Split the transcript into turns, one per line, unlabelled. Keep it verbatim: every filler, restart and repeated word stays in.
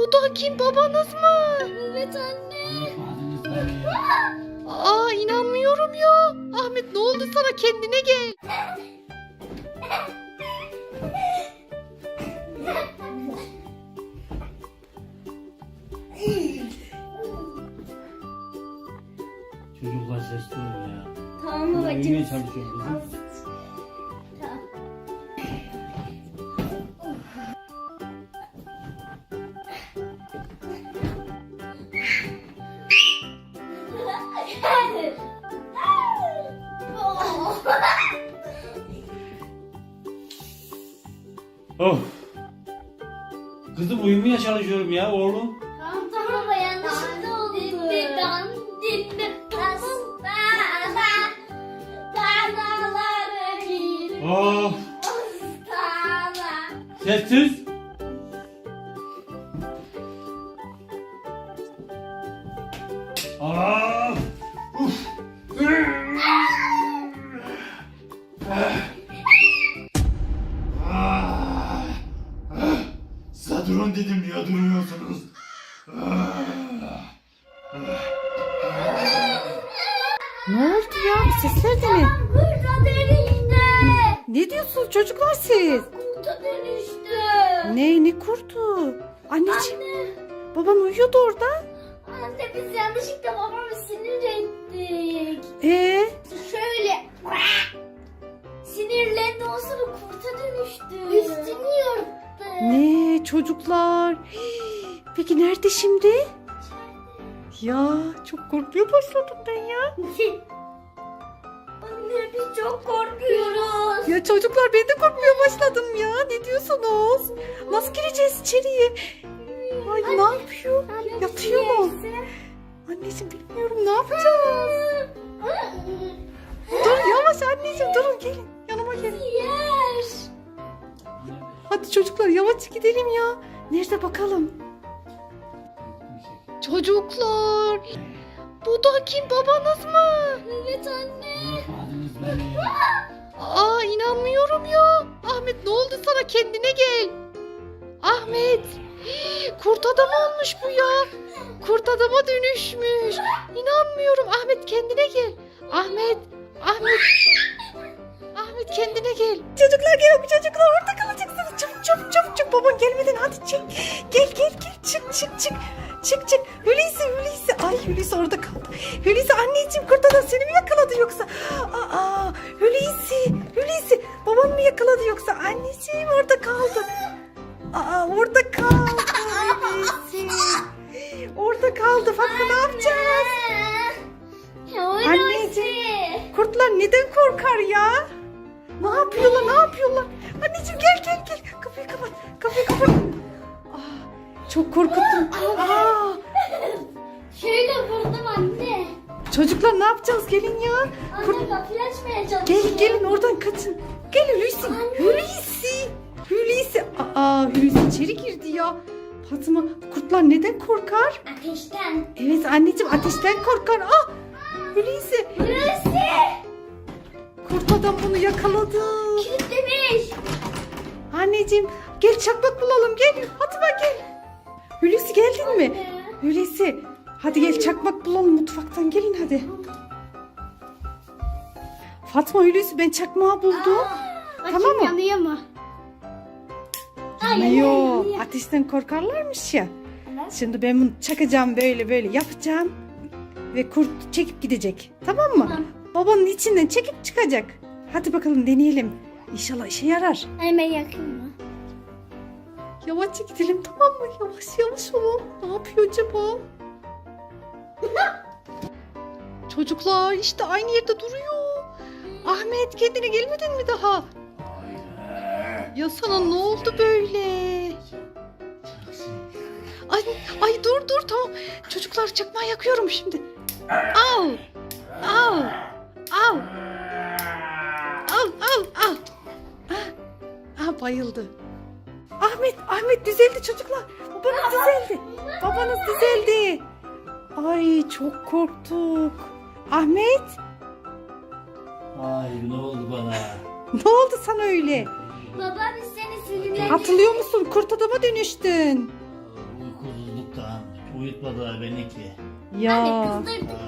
Bu da kim, babanız mı?
Evet anne.
Aa, inanmıyorum ya. Ahmet, ne oldu sana, kendine gel.
Çocuklar sesli olun ya.
Tamam
Ben
babacığım.
uyumaya çalışıyorum kızım.
Tamam.
Oh. Kızım uyumaya çalışıyorum ya oğlum.
Tamam tamam baba, yanlışlıkla oldu. Dinledan dinledan dağlara bir
Oh.
dağlar.
Sessiz. Ah. Uf. Ah. Ah. Size durun dedim, niye durmuyorsunuz?
Ne oldu ya? Sesler de ne?
Kurta dönüştü.
Ne diyorsunuz çocuklar siz?
Kurta dönüştü.
Ne, ne kurdu? Anneciğim,
Anne,
baban uyuyordu orada.
anne biz yanlışlıkla babamı sinir ettik.
Ee,
Şöyle sinirlendi, o sonra kurta dönüştü. Üstünü yırttı.
ne çocuklar? Hii, peki nerede şimdi? Ya çok korkmaya başladım ben ya.
Anne biz çok korkuyoruz.
Ya çocuklar, ben de korkmaya başladım ya. Ne diyorsunuz? Nasıl gireceğiz içeriye? Ay, ne yapıyor? Yatıyor mu? Anneciğim, bilmiyorum, ne yapacağız? Dur yavaş anneciğim, durun, gelin yanıma gelin.
Yer.
Hadi çocuklar, yavaş gidelim ya. Nerede bakalım? Çocuklar, bu da kim, babanız mı?
Evet anne.
Adınız beni.
Aa, inanmıyorum ya. Ahmet, ne oldu sana, kendine gel. Ahmet, hii, kurt adam olmuş bu ya. Kurt adama dönüşmüş. İnanmıyorum. Ahmet, kendine gel. Ahmet, Ahmet. Ahmet, kendine gel. Çocuklar gelin, bu çocuklar orada kalacaksınız. Çabuk çabuk çabuk çabuk, baban gelmeden hadi çık. Gel gel gel, çık çık çık. Çık çık. Hulusi Hulusi. Ay, Hulusi orada kaldı. Hulusi, anneciğim, kurt adam seni mi yakaladı yoksa? Aa, Hulusi Hulusi. Baban mı yakaladı yoksa? Anneciğim, orada kaldı. Aa, orada kaldı Hulusi. Orada kaldı. Fatma, ne yapacağız? Anneciğim, kurtlar neden korkar ya? Ne yapıyorlar, ne yapıyorlar? Anneciğim, gel gel gel. Kapıyı kapat. Kapıyı kapat. Aa, çok korkuttum. Aa,
Şöyle vurdum anne.
çocuklar, ne yapacağız? Gelin ya. Kurt...
Anne kapıyı açmaya çalışıyor.
Gelin gelin, oradan kaçın. Gel Hulusi. Hulusi. Hulusi. Aa, Hulusi içeri girdi ya. Fatma, kurtlar neden korkar?
Ateşten.
Evet anneciğim, ateşten korkar. Ah, Hulusi.
Burası.
Kurt adam bunu yakaladı.
Kilitlemiş.
Anneciğim, gel çakmak bulalım, gel. Fatma, gel. Hulusi, geldin mi?
Anne.
Hulusi, hadi gel çakmak bulalım mutfaktan, gelin hadi. Fatma, Hulusi, ben çakmağı buldum. Tamam mı?
Yanıyor mu?
Yok, ateşten korkarlarmış ya. Şimdi ben bunu çakacağım, böyle böyle yapacağım. Ve kurt çekip gidecek. Tamam mı?
Tamam.
Babanın içinden çekip çıkacak. Hadi bakalım, deneyelim. İnşallah işe yarar.
Hemen yakın mı?
Yavaşça gidelim, tamam mı? Yavaş yavaş olun. Ne yapıyor acaba? Çocuklar, işte aynı yerde duruyor. Ahmet, kendine gelmedin mi daha? Ya sana ne oldu böyle? Ay, ay dur dur, tamam. Çocuklar, çakmağı yakıyorum şimdi. Al. Al. Al. Al al al. Ah, ah, bayıldı. Ahmet, Ahmet düzeldi çocuklar. Babanız düzeldi. Babanız düzeldi. Ay, çok korktuk. Ahmet,
Ay, ne oldu bana?
ne oldu sana öyle?
Baba biz seni sinirlendik.
Hatırlıyor musun? Kurt adama dönüştün.
Uykusuz Uyutmadılar beni ki.
Ya.
Anne kızdırdık